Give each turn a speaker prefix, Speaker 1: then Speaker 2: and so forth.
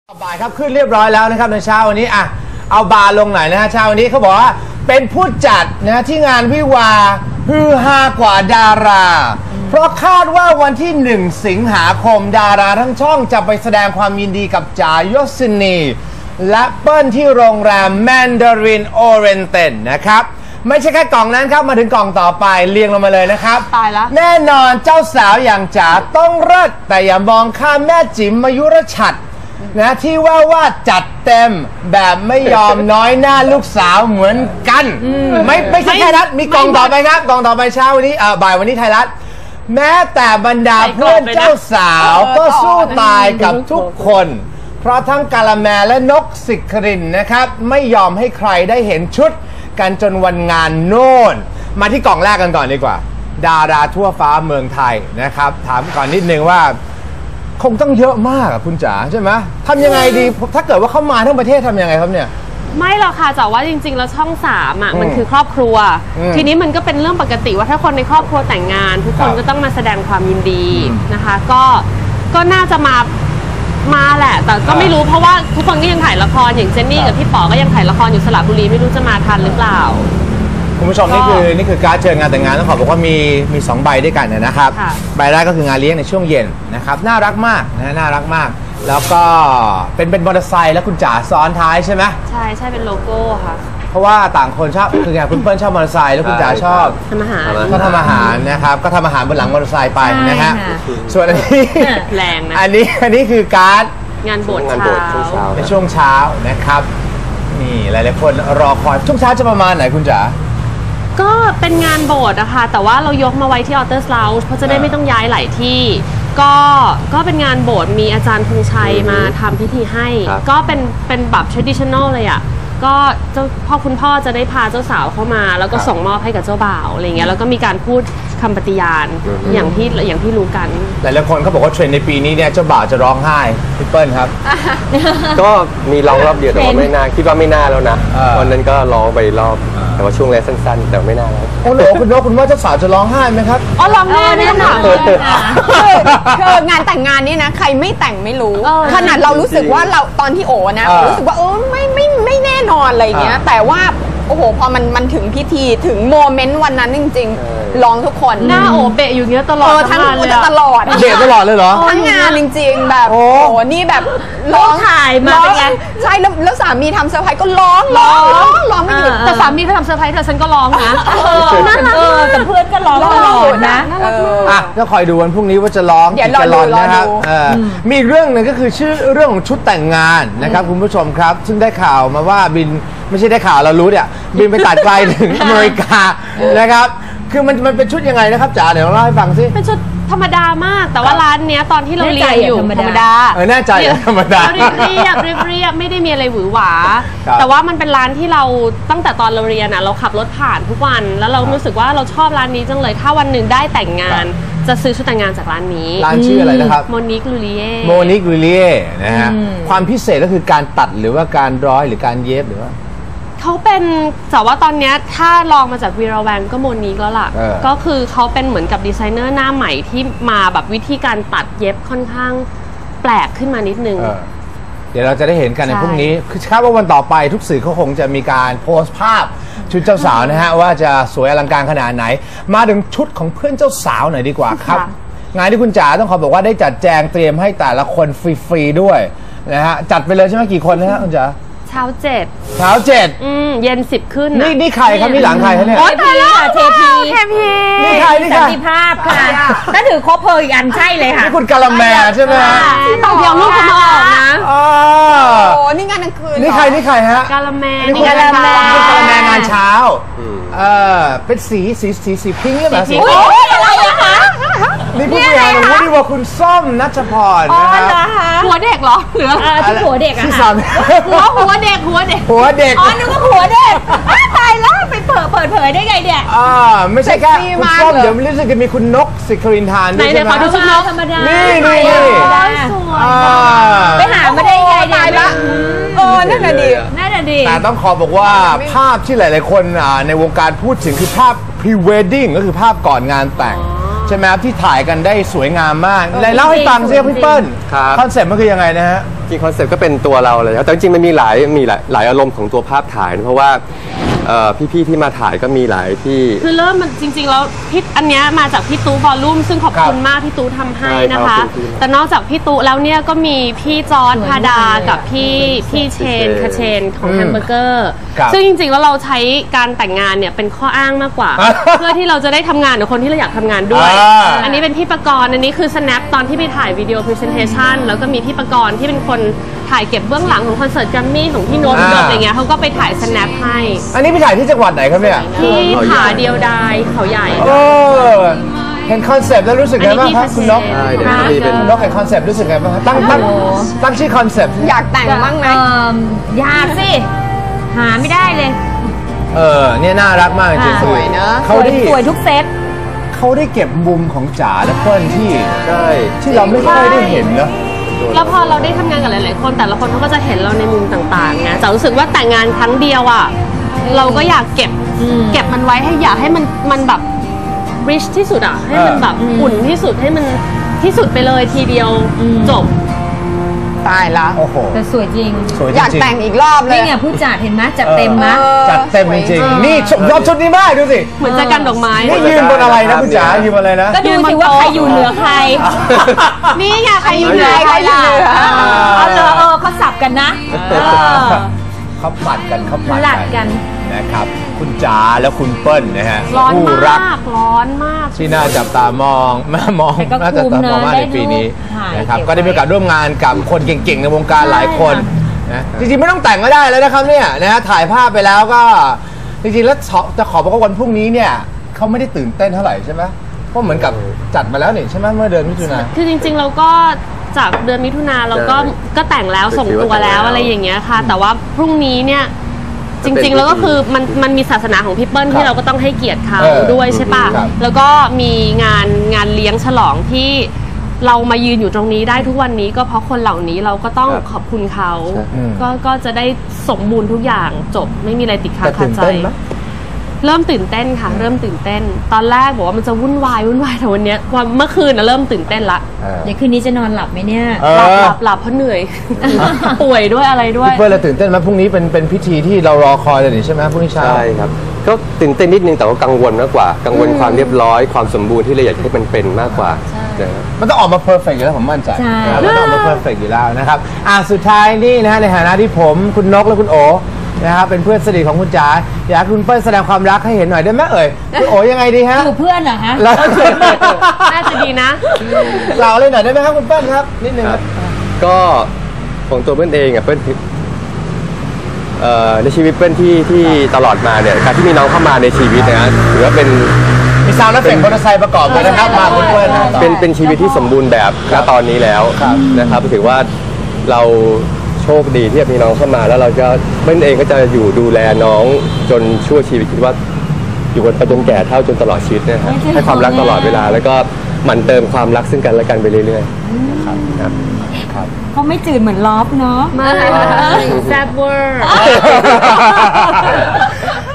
Speaker 1: บ่ายครับขึ้นเรียบร้อยแล้วนะครับในเช้าวันนี้เอาบาร์ลงหน่อยนะฮะเช้าวันนี้เขาบอกว่าเป็นผู้จัดนะที่งานวิวาฮือฮากว่าดาราเพราะคาดว่าวันที่1 สิงหาคมดาราทั้งช่องจะไปแสดงความยินดีกับจ๋ายศินีและเปิ้ลที่โรงแรมแมนดารินโอเรนเตนนะครับไม่ใช่แค่กล่องนั้นครับมาถึงกล่องต่อไปเรียงลงมาเลยนะครับ
Speaker 2: ตายแล้ว
Speaker 1: แน่นอนเจ้าสาวอย่างจ๋าต้องเลิศแต่อย่ามองข้ามแม่จิ๋มมายุรชัดนะที่ว่าจัดเต็มแบบไม่ยอมน้อยหน้าลูกสาวเหมือนกันไม่ใช่ไทยรัฐมีกล่องต่อไปครับกล่องต่อไปเช้าวันนี้บ่ายวันนี้ไทยรัฐแม้แต่บรรดาเพื่อนเจ้าสาวก็สู้ตายกับทุกคนเพราะทั้งกาละแมและนกสิครินนะครับไม่ยอมให้ใครได้เห็นชุดกันจนวันงานโน่นมาที่กล่องแรกกันก่อนดีกว่าดาราทั่วฟ้าเมืองไทยนะครับถามก่อนนิดนึงว่าคงต้องเยอะมากคุณจ๋าใช่ไหมทำยังไงดีถ้าเกิดว่าเข้ามาทั้งประเทศทำยังไงครับเนี่ย
Speaker 2: ไม่หรอกค่ะแต่ว่าจริงๆแล้วช่อง3มันคือครอบครัวทีนี้มันก็เป็นเรื่องปกติว่าถ้าคนในครอบครัวแต่งงานทุกคนก็ต้องมาแสดงความยินดีนะคะก็น่าจะมาแหละแต่ก็ไม่รู้เพราะว่าทุกคนก็ยังถ่ายละครอย่างเจนนี่กับพี่ป๋อก็ยังถ่ายละครอยู่สระบุรีไม่รู้จะมาทันหรือเปล่า
Speaker 1: คุณผู้ชมนี่คือการเชิญงานแต่งงานต้องขอบอกว่ามี2 ใบด้วยกันนะครับใบแรกก็คืองานเลี้ยงในช่วงเย็นนะครับน่ารักมากนะน่ารักมากแล้วก็เป็นมอเตอร์ไซค์แล้วคุณจ๋าซ้อนท้ายใช่ไหม
Speaker 2: ใช่เป็นโลโก้ค่ะ
Speaker 1: เพราะว่าต่างคนชอบคือไงคุณเปิ้ลชอบมอเตอร์ไซค์แล้วคุณจ๋าชอบ
Speaker 2: ทำอาหาร
Speaker 1: ก็ทำอาหารนะครับก็ทำอาหารบนหลังมอเตอร์ไซค์ไปนะฮะส่วนอันนี้
Speaker 2: แรงนะ
Speaker 1: อันนี้คือการ
Speaker 2: งานโบสถ์เช้า
Speaker 1: ในช่วงเช้านะครับนี่หลายๆคนรอคอยช่วงเช้าจะประมาณไหนคุณจ๋า
Speaker 2: ก็เป็นงานโบสถ์นะคะแต่ว่าเรายกมาไว้ที่ออเตอร์สลาวเพราะจะได้ไม่ต้องย้ายหลายที่ก็เป็นงานโบสถ์มีอาจารย์ธงชัยมาทำพิธีให้ก็เป็นแบบ traditional เลยอ่ะก็คุณพ่อจะได้พาเจ้าสาวเข้ามาแล้วก็ส่งมอบให้กับเจ้าบ่าวอะไรเงี้ยแล้วก็มีการพูดคำปฏิญาณอย่างที่รู้กัน
Speaker 1: หลายๆคนเขาบอกว่าเทรนด์ในปีนี้เนี่ยเจ้าบ่าวจะร้องไห้พี่เปิ้ลครับ
Speaker 3: ก็มีร้องรอบเดียวแต่ว่าไม่น่าคิดว่าไม่น่าแล้วนะวันนั้นก็ร้องไปรอบแต่ว่าช่วงแรกสั้นๆแต่ไม่น่าแล้ว
Speaker 1: โอ้โหคุณว่าเจ้าสาวจะร้องไห้ไหมครับ
Speaker 2: อ๋อร้องแน่ค่ะ
Speaker 4: คืองานแต่งงานนี่นะใครไม่แต่งไม่รู้ขนาดเรารู้สึกว่าเราตอนที่โอนะรู้สึกว่าไม่แน่นอนอะไรเงี้ยแต่ว่าโอ้โหพอมันถึงพิธีถึงโมเมนต์วันนั้นจริงๆร้องทุกคน
Speaker 2: หน้าโอเบะอยู่เงี้ยตลอด
Speaker 4: ทั้งตลอด
Speaker 1: เบะตลอดเลยเหรอ
Speaker 4: ทั้งงานจริงๆแบบโอ้โหนี่แบบร้อง
Speaker 2: ถ่ายมาเป็นไง
Speaker 4: ใช่แล้วสามีทำเซอร์ไพรส์ก็ร้องไม่หยุด
Speaker 2: แต่สามีเขาทำเซอร์ไพรส์แต่ฉันก็ร้องนะ
Speaker 4: น่ารัก
Speaker 2: แต่เพื่อนก็ร้องตลอดนะ
Speaker 1: ก็คอยดูวันพรุ่งนี้ว่าจะร้องกี่แกลลอนนะครับมีอีกเรื่องหนึ่งก็คือชื่อเรื่องของชุดแต่งงานนะครับคุณผู้ชมครับซึ่งได้ข่าวมาว่าบินไม่ใช่ได้ข่าวเรารู้เนี่ยบินไปตัดไกลถึงอเมริกานะครับคือมันเป็นชุดยังไงนะครับจ๋าเดี๋ยวเล่าให้ฟังสิ
Speaker 2: เป็นชุดธรรมดามากแต่ว่าร้านเนี้ยตอนที่เราเรียนอยู่ธรรมดา
Speaker 1: แน่ใจธรรมดา
Speaker 2: เรียบไม่ได้มีอะไรหวือหวาแต่ว่ามันเป็นร้านที่เราตั้งแต่ตอนเราเรียนเราขับรถผ่านทุกวันแล้วเรารู้สึกว่าเราชอบร้านนี้จังเลยถ้าวันหนึ่งได้แต่งงานจะซื้อชุดแต่งงานจากร้านนี้
Speaker 1: ร้านชื่ออะไรนะครับ
Speaker 2: โมนิกลูลิเ
Speaker 1: ย่นะฮะความพิเศษก็คือการตัดหรือว่าการร้อยหรือการเย็บหรือว่า
Speaker 2: เขาเป็นแต่ว่าตอนนี้ถ้าลองมาจากวีราแวงก็โมนิกแล้วล่ะก็คือเขาเป็นเหมือนกับดีไซเนอร์หน้าใหม่ที่มาแบบวิธีการตัดเย็บค่อนข้างแปลกขึ้นมานิดนึง
Speaker 1: เดี๋ยวเราจะได้เห็นกันในพรุ่งนี้คือคาดว่าวันต่อไปทุกสื่อเขาคงจะมีการโพสต์ภาพชุดเจ้าสาวนะฮะว่าจะสวยอลังการขนาดไหนมาถึงชุดของเพื่อนเจ้าสาวหน่อยดีกว่าครับงานที่คุณจ๋าต้องขอบอกว่าได้จัดแจงเตรียมให้แต่ละคนฟรีๆด้วยนะฮะจัดไปเลยใช่ไหมกี่คนนะฮะคุณจ๋า
Speaker 2: เช้า7เย็น10ขึ้น
Speaker 1: นี่ใครครับนี่หลังใครคะเนี่ย
Speaker 2: โอ้ตายแล้วเทพี
Speaker 1: นี่ใคร
Speaker 2: สันติภาพค่ะถ้าถือครบเพลอีกอันใช่เลยค่ะ
Speaker 1: นี่คุณกาละแมใช่ไหม
Speaker 2: ต้องเดี๋ยวลูกเขามาออกนะ
Speaker 4: โอ้นี่งานกลางคืน
Speaker 1: นี่ใครฮะ
Speaker 2: กาละแม
Speaker 1: นี่กาละแมงานเช้าเป็นสีพิงค์หรือเปล่าสี
Speaker 4: อะไรอะคะ
Speaker 1: นี่ผู้บริหารของวุฒิว่าคุณส้มนัชพรนะครับ
Speaker 2: หัวเด็กเหรอหรือที่หัวเด็กอะหัวเด็ก
Speaker 4: อ๋อนึกว่าหัวเด็กตายแล้วไปเปิดเผยได้ไงเนี่ย
Speaker 1: ไม่ใช่แค่คุณส้มเดี๋ยวรู้สึกจะมีคุณนกสิครินทานด้วยใช่ไหม
Speaker 2: ขอดูชุดนกธรรมดา
Speaker 1: นี่
Speaker 4: ไปหามาได้ไงตายละนั่นน่ะดี
Speaker 1: แต่ต้องขอบอกว่าภาพที่หลายๆคนในวงการพูดถึงคือภาพ pre-wedding ก็คือภาพก่อนงานแต่งใช่ไหมครับที่ถ่ายกันได้สวยงามมากเล่าให้ฟังสิพี่เปิ้ลคอนเซ็ปต์มันคือยังไงนะฮะ
Speaker 3: จริงคอนเซ็ปต์ก็เป็นตัวเราเลยครับแต่จริงๆมันมีหลายอารมณ์ของตัวภาพถ่ายนะเพราะว่าพี่ๆที่มาถ่ายก็มีหลายที่
Speaker 2: คือเริ่มมันจริงๆแล้วพี่อันเนี้ยมาจากพี่ตู้วอลลุ่มซึ่งขอบคุณมากพี่ตู้ทำให้นะคะแต่นอกจากพี่ตู้แล้วเนี่ยก็มีพี่จอร์จพาดากับพี่เชนคาเชนของแฮมเบอร์เกอร์ซึ่งจริงๆแล้วเราใช้การแต่งงานเนี่ยเป็นข้ออ้างมากกว่า เพื่อที่เราจะได้ทำงานกับคนที่เราอยากทำงานด้วยอันนี้เป็นพี่ประกรณ์อันนี้คือ snap ตอนที่ไปถ่ายวิดีโอ presentation แล้วก็มีพี่ประกรณ์ที่เป็นคนถ่ายเก็บเบื้องหลังของคอนเสิร์ตแกรมมี่ของพี่โน้ตอะไรเงี้ยเขาก็ไปถ่าย snap ให้
Speaker 1: อันนี้ไปถ่ายที่จังหวัดไหนครับเนี่ย
Speaker 2: ที่ผาเดียวดายเขาใหญ่
Speaker 1: เห็นคอนเซปต์แล้วรู้สึกไงบ้างครับคุณนกคุณนกเห็นคอนเซปต์รู้สึกไงบ้างตั้งชื่อคอนเซปต์
Speaker 4: อยากแต่งบ้างไหม
Speaker 5: อยากสิหาไม่ได้เลย
Speaker 1: เนี่ยน่ารักมากจริงๆ
Speaker 4: สวยเนอะ
Speaker 1: เขาได้
Speaker 5: สวยทุกเซต
Speaker 1: เขาได้เก็บมุมของจ๋าและเพื่อนที่เราไม่ค่อยได้เห็นเนอะ
Speaker 2: แล้วพอเราได้ทำงานกับหลายๆคนแต่ละคนเขาก็จะเห็นเราในมุมต่างๆนะจ๋ารู้สึกว่าแต่งงานครั้งเดียวอ่ะเราก็อยากเก็บมันไว้ให้อยากให้มันแบบ rich ที่สุดอ่ะให้มันแบบอุ่นที่สุดให้มันที่สุดไปเลยทีเดียวจบ
Speaker 4: ตายละ
Speaker 1: โอ้โห
Speaker 5: แต่สวยจริง
Speaker 4: อยากแต่งอีกรอบเลย
Speaker 5: นี่ไงผู้จัดเห็นไหมจัดเต็มนะ
Speaker 1: จัดเต็มจริงๆนี่รอบชุดนี้มากดูสิ
Speaker 2: เหมือนจะกันดอกไม้
Speaker 1: นี่ยืนบนอะไรนะคุณจ๋ายืนบนอะไรนะ
Speaker 5: ก็ดูสิว่าใครอยู่เหนือใคร
Speaker 2: นี่ไงใครอยู่เหนือใครล่ะ
Speaker 5: เขาสับกันนะ
Speaker 1: เขาปัดกันเขาปัด
Speaker 5: กัน
Speaker 1: นะครับคุณจ๋าและคุณเปิ้ลนะฮะ
Speaker 2: ร้อนมากร้อนมาก
Speaker 1: ที่น่าจับตามองน่าจับตามองมากในปีนี้นะครับก็ได้มีโอกาสร่วมงานกับคนเก่งๆในวงการหลายคนนะจริงๆไม่ต้องแต่งก็ได้แล้วนะครับเนี่ยนะถ่ายภาพไปแล้วก็จริงๆแล้วจะขอบอกว่าวันพรุ่งนี้เนี่ยเขาไม่ได้ตื่นเต้นเท่าไหร่ใช่ไหมเพราะเหมือนกับจัดมาแล้วนี่ใช่ไหมเมื่อเดือนมิถุนายน
Speaker 2: คือจริงๆเราก็จากเดือนมิถุนาเราก็แต่งแล้วส่งตัวแล้วอะไรอย่างเงี้ยค่ะแต่ว่าพรุ่งนี้เนี่ยจริงๆแล้วก็คือมันมีศาสนาของพี่เปิ้ลที่เราก็ต้องให้เกียรติเขาด้วยใช่ปะแล้วก็มีงานเลี้ยงฉลองที่เรามายืนอยู่ตรงนี้ได้ทุกวันนี้ก็เพราะคนเหล่านี้เราก็ต้องขอบคุณเขาก็จะได้สมบูรณ์ทุกอย่างจบไม่มีอะไรติดค้างคาใจเริ่มตื่นเต้นค่ะเริ่มตื่นเต้นตอนแรกบอกว่ามันจะวุ่นวายแต่วันนี้เมื่อคืนเริ่มตื่นเต้นละ
Speaker 5: เดี๋ยวคืนนี้จะนอนหลับไหมเนี่ย
Speaker 2: หลับเพราะเหนื่อยป่วยด้วยอะไรด้วย
Speaker 1: เพื่อนเราตื่นเต้นไหมพรุ่งนี้เป็นพิธีที่เรารอคอยเลยนี่ใช่ไหมพรุ่งนี้เช้า
Speaker 3: ใช่ครับก็ตื่นเต้นนิดนึงแต่ว่ากังวลมากกว่ากังวลความเรียบร้อยความสมบูรณ์ที่เราอยากให้มันเป็นมากกว่า
Speaker 1: มันต้องออกมาเพอร์เฟกต์อยู่แล้วผมมั่นใจมันต้องออกมาเพอร์เฟกต์อยู่แล้วนะครับสุดท้ายนี่นะฮะในฐานะที่ผมคุณนกและคุณโอนะครับเป็นเพื่อนสนิทของคุณจ๋าอยากคุณเปิ้ลแสดงความรักให้เห็นหน่อยได้ไหมคุณโอยังไงดีฮะ
Speaker 5: อยู่เพื่อนเหรอฮะ
Speaker 2: น่าจะดีนะ
Speaker 1: เราเลยหน่อยได้ไหมครับคุณเปิ้ลครับนิดนึงครับ
Speaker 3: ก็ของตัวเปิ้ลเองเปิ้ลในชีวิตเปิ้ลที่ตลอดมาเนี่ยการที่มีน้องเข้ามาในชีวิตนะถือว่าเป็น
Speaker 1: มีซาวด์และเสียงมอเตอร์ไซค์ประกอบเลยนะครับมาคุณเปิ้ล
Speaker 3: เป็นชีวิตที่สมบูรณ์แบบณตอนนี้แล้วนะครับถือว่าเราโชคดีที่มีน้องเข้ามาแล้วเราจะเปิ้ลเองก็จะอยู่ดูแลน้องจนชั่วชีวิตคิดว่าอยู่กันไปจนแก่เฒ่าจนตลอดชีวิตนะครับให้ความรักตลอดเวลาแล้วก็หมั่นเติมความรักซึ่งกันและกันไปเรื่อยๆครับ
Speaker 5: เขาไม่จืดเหมือนลอฟเนาะ
Speaker 2: ไม่แซ่บเวอร์